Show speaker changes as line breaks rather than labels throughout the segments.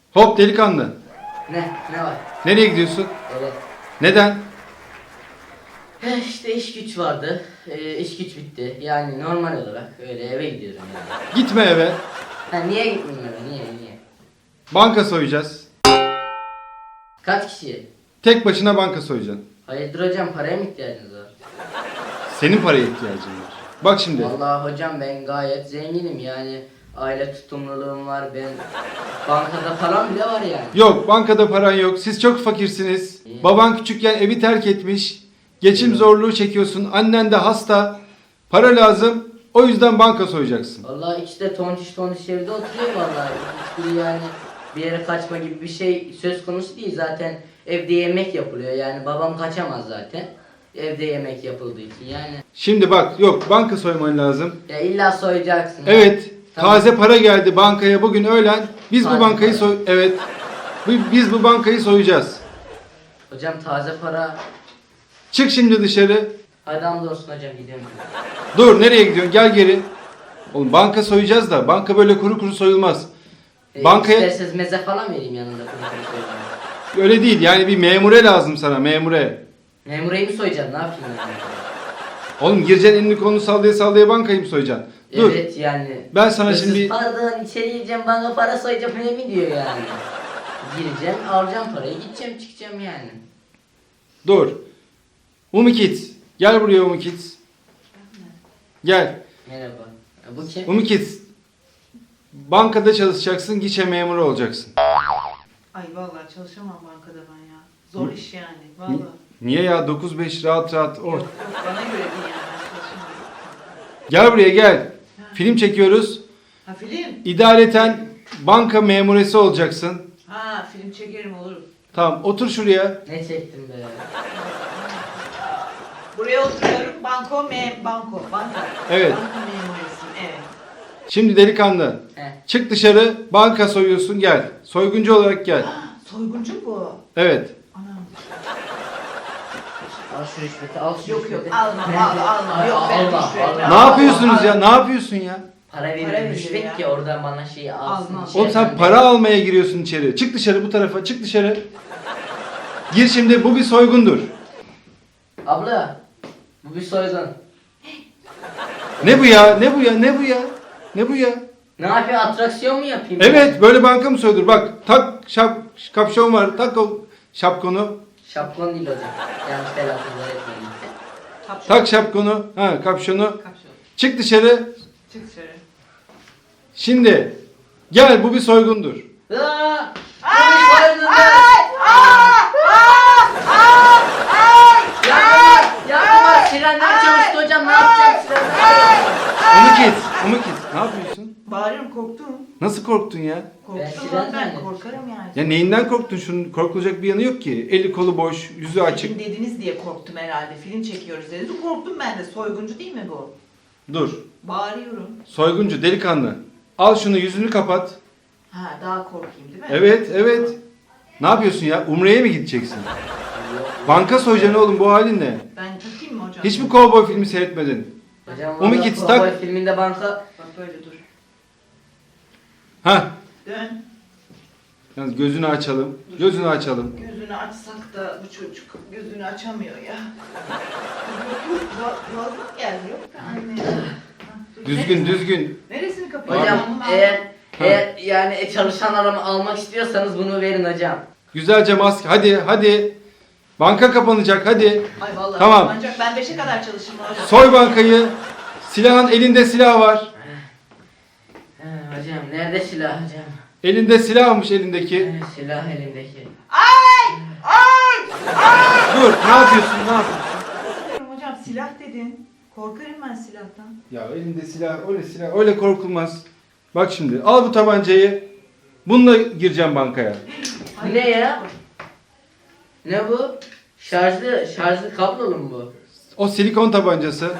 Hop delikanlı.
Ne var?
Nereye gidiyorsun?
Evet.
Neden?
İşte iş güç vardı. İş güç bitti. Yani normal olarak öyle eve gidiyorum yani.
Gitme eve.
Ha, niye gitmeyeyim eve? Niye?
Banka soyacağız.
Kaç kişi?
Tek başına banka soyacaksın.
Hayırdır hocam, paraya mı ihtiyacınız var?
Senin paraya ihtiyacın var. Bak şimdi.
Vallahi hocam ben gayet zenginim yani. Aile tutumluluğum var, ben bankada param bile var yani.
Yok, bankada paran yok. Siz çok fakirsiniz.
İyi.
Baban küçükken evi terk etmiş. Geçim zorluğu çekiyorsun. Annen de hasta. Para lazım. O yüzden banka soyacaksın.
Vallahi ikisi de tontiş evde oturuyor vallahi. Hiçbiri yani bir yere kaçma gibi bir şey söz konusu değil. Zaten evde yemek yapılıyor yani babam kaçamaz zaten. Evde yemek yapıldığı için yani.
Şimdi bak, yok banka soyman lazım.
Ya illa soyacaksın.
Evet.
Tamam.
Taze para geldi bankaya bugün öğlen. Biz bu
Taze
bankayı
para.
Evet. Biz bu bankayı soyacağız.
Hocam taze para.
Çık şimdi dışarı.
Hadi hamdolsun hocam, gidiyorum.
Dur, nereye gidiyorsun? Gel geri. Oğlum banka soyacağız da banka böyle kuru kuru soyulmaz. Bankaya
İsterseniz meze falan vereyim yanında. Kuru soyacağım.
öyle değil. Yani bir memure lazım sana, memure.
Memureyi mi soyacağım, ne yapayım yani?
Oğlum gireceksin, elini kolunu sallaya sallaya bankayı mı soyacaksın? Dur.
Evet yani.
Ben sana
Hırsız,
şimdi
pardon içeri gireceğim, bana para soyacağım öyle mi diyor yani. Gireceğim, alacağım parayı, gideceğim, çıkacağım yani.
dur. Umikit. Gel buraya Umikit. Gel.
Merhaba. Bu kim?
Umikit. Bankada çalışacaksın, gişe memuru olacaksın.
Ay vallahi çalışamam bankada ben ya. Zor iş yani. Vallahi.
Niye ya? 9-5 rahat rahat.
Yok, yok bana göre değil yani, ben çalışamam.
Gel buraya gel. Film çekiyoruz.
Ha film?
İdareten banka memuresi olacaksın.
Ha film çekerim olur.
Tamam, otur şuraya.
Ne çektim be?
Buraya oturuyorum. Banka.
Evet.
Banka memuresiyim, evet.
Şimdi delikanlı.
Heh.
Çık dışarı, banka soyuyorsun, gel. Soyguncu olarak gel.
Soyguncu bu.
Evet.
Anam.
Al şu rüşveti, al şu
Yok
rüşveti.
yok alma. Yok ben
Alma,
rüşvet.
alma.
Ne yapıyorsunuz ya? Ne yapıyorsun ya?
Para
Para
verir
veriyor
rüşvet
ya.
ki oradan bana şeyi alsın.
Almam.
içeri
Oğlum sen
ben
para
de-
almaya giriyorsun içeri. Çık dışarı bu tarafa, çık dışarı. Gir şimdi, bu bir soygundur.
Abla, bu bir soygun.
Ne bu ya? Ne bu ya? Ne bu ya? Ne bu ya?
Ne yapıyor, atraksiyon mu yapayım?
Evet, böyle banka mı soyulur? Bak, tak kapşon var. Tak o şapkonu.
Şapkon değil hocam. Yanlış telaffuzlar etmeyin.
Tak şapkonu. Ha, kapşonu.
Kapşon.
Çık dışarı.
Çık dışarı.
Şimdi gel, bu bir soygundur.
Aa! Bu bir soygun. Yakma! Sirenler çalıştı hocam, ne yapacağız sirenler?
Umukit, ne yapıyorsun?
Bağırıyorum, korktum.
Nasıl korktun ya?
Korktum
siren
ben
zannettim.
korkarım yani.
Ya neyinden korktun? Şunun korkulacak bir yanı yok ki. Eli kolu boş, yüzü açık.
Film dediniz diye korktum herhalde. Film çekiyoruz dediniz. Korktum ben de. Soyguncu değil mi bu?
Dur.
Bağırıyorum.
Soyguncu, delikanlı. Al şunu, yüzünü kapat.
Ha daha korkayım değil mi?
Evet, evet. Ne yapıyorsun ya? Umre'ye mi gideceksin? Banka soyacaksın oğlum, bu halin ne?
Ben takayım mı hocam?
Hiç mi kovboy filmi seyretmedin?
Hocam
Umut
valla
git,
Cowboy
tak.
filminde banka...
Bak böyle dur.
Hah.
Dön.
Yalnız gözünü açalım. Gözünü açalım.
Gözünü açsak da bu çocuk gözünü açamıyor ya. Yok boğazına geldi yok da anne. Ha, dur.
Düzgün, düzgün.
Neresini kapayım?
Hocam
Tamam.
eğer yani çalışan adamı almak istiyorsanız bunu verin hocam.
Güzelce maske. Hadi, hadi. Banka kapanacak, hadi.
Ay vallahi
Tamam.
ancak ben 5'e kadar çalışırım hocam.
Soy bankayı. Silahın elinde silah var.
Hocam nerede silah hocam?
Elinde silahmış elindeki.
Silah elimdeki.
Dur, ne yapıyorsun, ne yapıyorsun?
Korkarım hocam silah dedin. Korkarım ben silahtan.
Ya elinde silah, öyle korkulmaz. Bak şimdi, al bu tabancayı. Bununla gireceğim bankaya.
Bu ne ya? Ne bu? Şarjlı kablolu mu bu?
O silikon tabancası.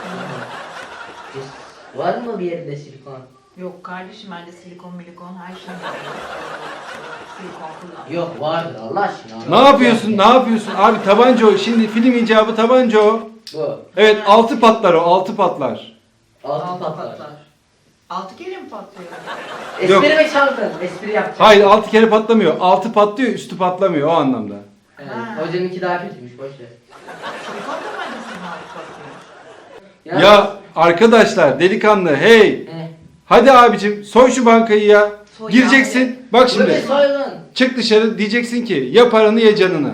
Var mı bir yerinde silikon?
Yok kardeşim bende silikon milikon her şey var. Silikon kullan.
Yok vardır Allah aşkına.
Ne yapıyorsun, ne yapıyorsun? Abi tabanca o. Şimdi film icabı tabanca o.
Bu.
Evet, altı patlar o, altı patlar.
Altı patlar.
6 kere mi patlıyor?
Yok.
Espri mi çaldın? Espri yapacağım.
Hayır 6 kere patlamıyor. 6 patlıyor üstü patlamıyor o anlamda.
Evet,
Ha.
hocanınki daha kötüymüş, boş ver.
Silikon tabancası mı 6 patlıyor?
Ya arkadaşlar delikanlı hey.
He.
Hadi abicim soy şu bankayı ya.
Soy
Gireceksin.
abi.
Bak
Bu bir
şimdi.
soygun.
Çık dışarı diyeceksin ki ya paranı ya canını.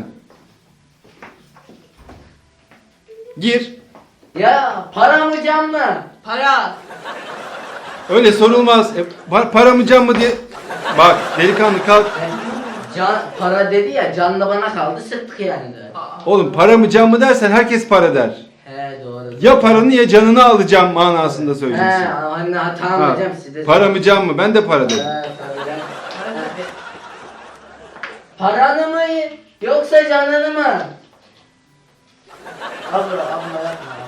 Gir.
Ya para mı can mı?
Para.
Öyle sorulmaz. Para mı can mı diye. Bak delikanlı kalk.
Can, para dedi ya, can da bana kaldı, sıktık yani de.
Oğlum para mı can mı dersen herkes para der.
He doğru.
Ya paranı ya canını alacağım manasında
He,
söyleyeceksin.
anne tamam
Ha,
hocam size.
para mı can mı? Ben de para dedim.
He, hocam.
Para tabii.
Paranı mı yoksa canını mı? Abla yapma.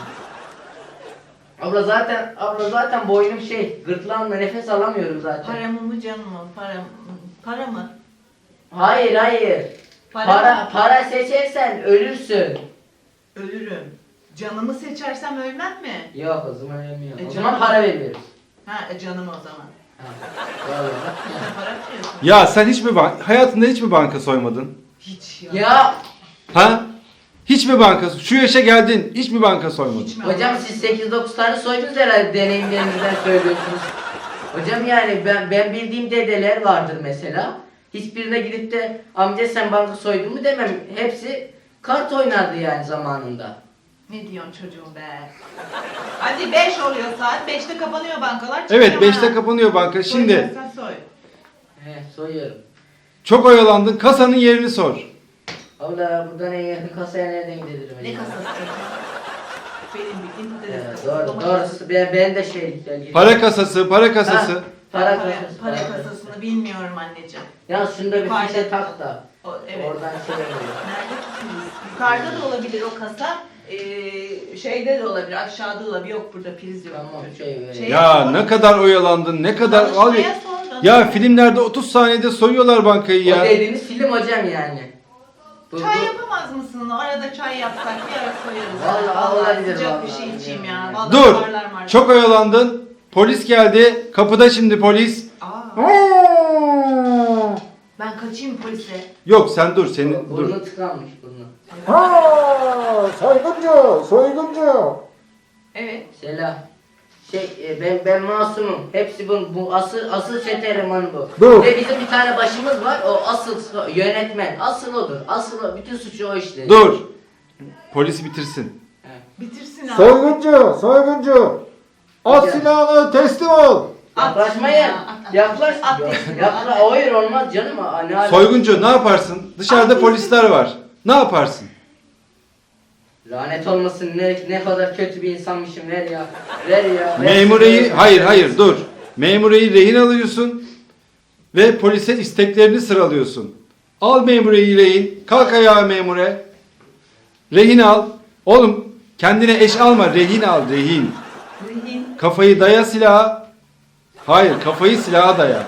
Abla zaten boynum gırtlağımla nefes alamıyorum zaten.
Paramı mı canım mı? Para mı?
Hayır. Para seçersen ölürsün.
Ölürüm. Canımı seçersem ölmem mi?
Yok o zaman ölmüyor. O
canım.
zaman para veriyoruz.
Ha canım o zaman.
Ha, doğru.
Sen para mı diyorsun?
Ya sen hayatında hiç mi banka soymadın?
Hiç ya.
Ya
Ha? Hiç mi banka? Şu yaşa geldin. Hiç mi banka soymadın?
Hiç mi?
hocam siz 8-9 tane soydunuz herhalde, deneyimlerinizden söylüyorsunuz. Hocam yani ben bildiğim dedeler vardır mesela. Hiçbirine gidip de amca sen banka soydun mu demem. Hepsi kart oynardı yani zamanında.
Ne diyorsun çocuğum be? Hadi 5 oluyor saat. 5'te kapanıyor bankalar.
Evet
çıkıyorum
5'te
ha.
kapanıyor banka. Şimdi
Soyacaksan soy.
He soyuyorum.
çok oyalandın. Kasanın yerini sor.
Abla buradan en yakın kasaya nereden gidelim
Ne
acaba?
kasası çocuğum? Benim bildiğim patates kasası.
Doğru
domates
doğru. Ben de şeylikten
Para kasası, para kasası.
Ha,
Para,
para
para,
kasası.
para kasasını bilmiyorum anneciğim.
Ya şunda bir
Yukarıda.
fişe tak da.
Evet.
Oradan oluyor.
Nerede tutulur? Yukarıda da olabilir o kasa. Şeyde de olabilir. Aşağıda da olabilir. Yok burada priz yok.
Tamam,
çocuğum.
şey-
Ya ne kadar oyalandın. Ne kadar al.
Çalışmaya sordum.
Ya filmlerde 30 saniyede soyuyorlar bankayı
O
ya.
dediğiniz film hocam yani.
Çay yapamaz mısın? Arada çay yapsak bir ara soyarız.
Vallahi olabilir
Sıcak
vallahi.
bir şey içeyim ya. Vallahi
Dur.
marlar.
Çok oyalandın. Polis geldi. Kapıda şimdi polis.
Aa, ben kaçayım polise.
Yok sen dur. Senin dur.
Burnu tıkanmış burnu.
Soyguncu, soyguncu.
Evet.
Selam. Ben masumum. Hepsi bu asıl çete elemanı bu.
Dur.
Ve bizim bir tane başımız var. O asıl yönetmen. Asıl odur. Bütün suçu o işledi.
Dur. Polisi bitirsin.
Bitirsin abi.
Soyguncu, soyguncu. At
Hocam.
silahını teslim ol.
Yaklaşmayın.
At.
Yaklaş.
At.
Hayır olmaz canım. Ne alaka?
Soyguncu ne yaparsın? Dışarıda
At.
polisler var. Ne yaparsın?
Lanet olmasın, ne kadar kötü bir insanmışım, ver ya. Ver ya.
Memureyi, hayır dur. Memureyi rehin alıyorsun ve polise isteklerini sıralıyorsun. Al memureyi rehin. Kalk ayağa memure. Rehin al. Oğlum kendine eş alma. Rehin al rehin.
Rehin.
Kafayı daya silaha. Hayır kafayı silaha daya.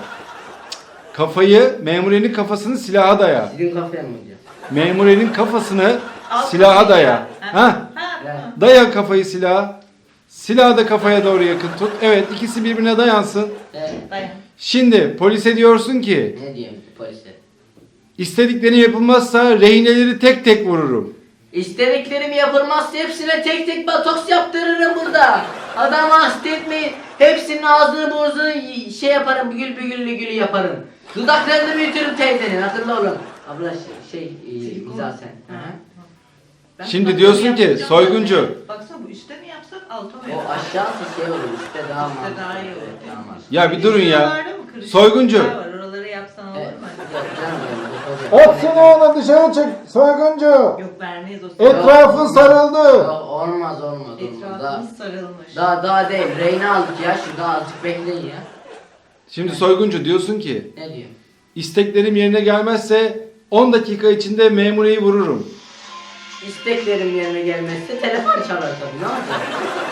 Kafayı memurenin kafasını silaha daya.
Sizin kafaya mı hocam?
Memurenin kafasını
Al
silaha
kafayı
daya.
ya.
Ha?
Ha,
Yani.
tamam.
Daya kafayı silaha. Silahı da kafaya doğru yakın tut. Evet ikisi birbirine dayansın.
Dayan.
Şimdi polise diyorsun ki
Ne diyeyim polise?
istedikleri yapılmazsa rehineleri tek tek vururum.
İstediklerim yapılmazsa hepsine tek tek botoks yaptırırım burada. Adamı hasta etmeyin. Hepsinin ağzını burnunu yaparım, gül yaparım. Dudaklarını büyütürüm teyzenin, hatırla oğlum. Abla
Silikon.
güzel sen. Hı hı.
Ben
Şimdi
sana
diyorsun
bunu
ki,
yapacağım
soyguncu.
zaten. Baksana bu üstte mi yapsak alta mı
O
yapsak?
aşağısı olur, üstte daha
Üstte
mantıklı.
daha iyi olur.
Evet, daha mantıklı.
Ya bir durun ya.
Şuralarda mı kırışık
Soyguncu.
yerler var, oraları yapsan olur
Evet,
mu?
yok canım benim, hocam.
At silahını dışarı çık soyguncu.
Yok vermeyiz o
Etrafın sarıldı.
Yok, olmaz. Daha,
Etrafımız sarılmış.
daha değil. Reyna aldık ya, şurada azıcık bekleyin ya.
Şimdi soyguncu diyorsun ki
Ne diyor?
isteklerim yerine gelmezse 10 dakika içinde memureyi vururum.
İsteklerim yerine gelmezse telefon çalar tabii, ne yapacağım?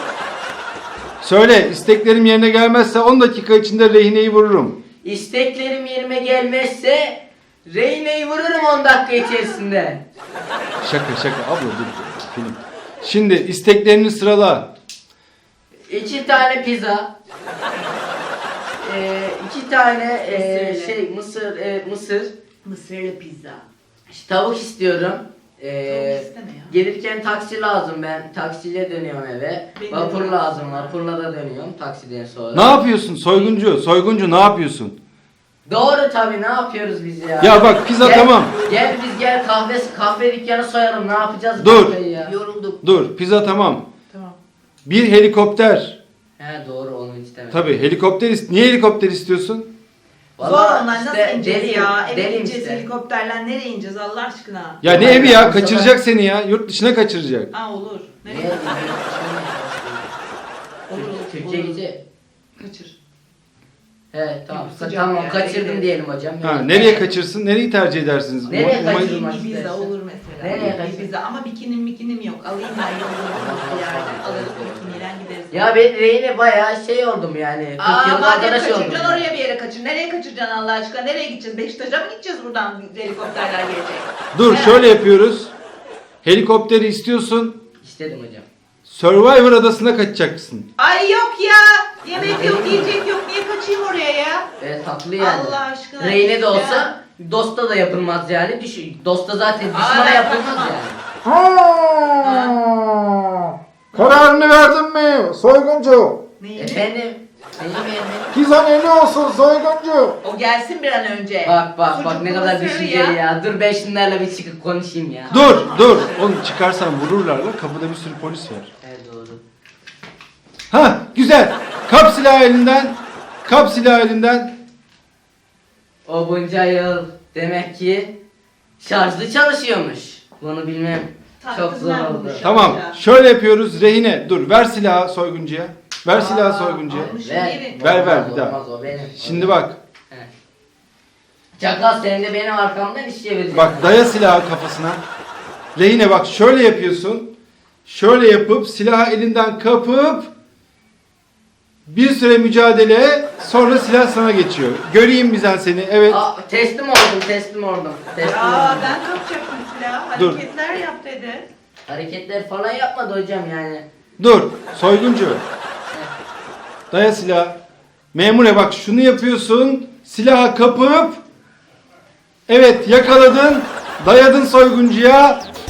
Söyle isteklerim yerine gelmezse 10 dakika içinde rehineyi vururum.
İsteklerim yerime gelmezse Reyne'yi vururum 10 dakika içerisinde.
Şaka abla dur film. Şimdi isteklerini sırala.
2 tane pizza, 2 tane
Mısırlı.
mısır.
Mısırlı pizza.
İşte tavuk istiyorum.
Tavuk isteme ya.
Gelirken taksi lazım, ben taksiyle dönüyorum eve.
Benim
Vapur
de
lazım, vapurla da dönüyorum taksiden sonra.
Ne yapıyorsun soyguncu? Soyguncu ne yapıyorsun?
Doğru tabii, ne yapıyoruz biz ya?
Ya bak pizza
Gel-
tamam.
Gel biz gel kahve dükkanı soyalım, ne yapacağız
Dur.
kahveyi ya?
Yorulduk.
Dur pizza tamam.
Tamam.
Bir helikopter.
He doğru, onu istemedim.
Tabii helikopter niye helikopter istiyorsun?
Zor
Vallahi
onlar,
işte
nasıl ineceğiz
deliyim,
ya? Eve
deliyim
gideceğiz
işte.
helikopterle, nereye ineceğiz Allah aşkına?
Ya ne
Tamam,
evi ya
bu sefer-
kaçıracak seni ya. Yurt dışına kaçıracak.
Aa olur.
Niye?
Nereye Olur,
Türkiye
olur.
gidecek.
Kaçır.
He tamam,
Sıcak
tamam
yani,
kaçırdım
bekle.
diyelim hocam.
Ha, nereye kaçırsın? Nereyi tercih edersiniz?
Nereye
Umay'ın-
kaçırmak
Ibiza
istersen.
olur mesela.
Nereye kaçır?
Ibiza ama bikinim yok. Alayım ben yollarım bir yerden. Alırız bikiniyle gideriz.
Ya ben Reyne bayağı şey oldum yani. 40
Aa
yılın
madem
arkadaş oldum.
kaçıracaksın oraya bir yere kaçır. Nereye kaçıracaksın Allah aşkına? Nereye gideceğiz? Beşiktaş'a mı gideceğiz buradan helikopterler gelecek?
Dur
Nereye?
şöyle yapıyoruz. Helikopteri istiyorsun.
İstedim hocam.
Survivor adasına kaçacaksın.
Ay yok ya. Yemek yok, yiyecek yok. Niye kaçayım oraya ya?
Tatlı yani.
Allah aşkına.
Reyne de
ya.
olsa Dost'ta da yapılmaz yani. Dost'ta zaten
Aa,
düşmana
ben
yapılmaz
kaçmam.
yani.
Kararını verdin mi soyguncu?
Neyini?
Efendim? Neyim efendim?
Pizzan eli olsun soyguncu.
O gelsin bir an önce.
Bak ne
Sucuklu
kadar
mısır
düşünceli ya. Dur ben şunlarla bir çıkıp konuşayım ya.
Dur. Oğlum çıkarsan vururlar lan. Kapıda bir sürü polis var.
Evet doğru.
Ha güzel. Kap silahı elinden. Kap silahı elinden.
O bunca yıl demek ki şarjlı çalışıyormuş. Bunu bilmem çok zor
Taktım ben
oldu.
bunu.
Tamam. Şöyle yapıyoruz. Rehine. Dur ver silahı soyguncuya. Ver silahı soyguncuya.
almış.
Ver, bir daha.
Olmaz o benim.
Şimdi bak.
Evet. Çakal sen de benim arkamdan iş çevireceksin.
Bak daya silahı kafasına. Rehine bak şöyle yapıyorsun. Şöyle yapıp silahı elinden kapıp bir süre mücadele sonra silah sana geçiyor. Göreyim bizden seni. Evet.
Teslim oldum. Teslim
Ya
oldum.
ben kapacaktım silahı.
Dur.
Hareketler yap dedi.
Hareketler falan yapmadı hocam yani.
Dur. Soyguncu. Daya silah. Memure bak şunu yapıyorsun. Silahı kapıp evet yakaladın. Dayadın soyguncuya.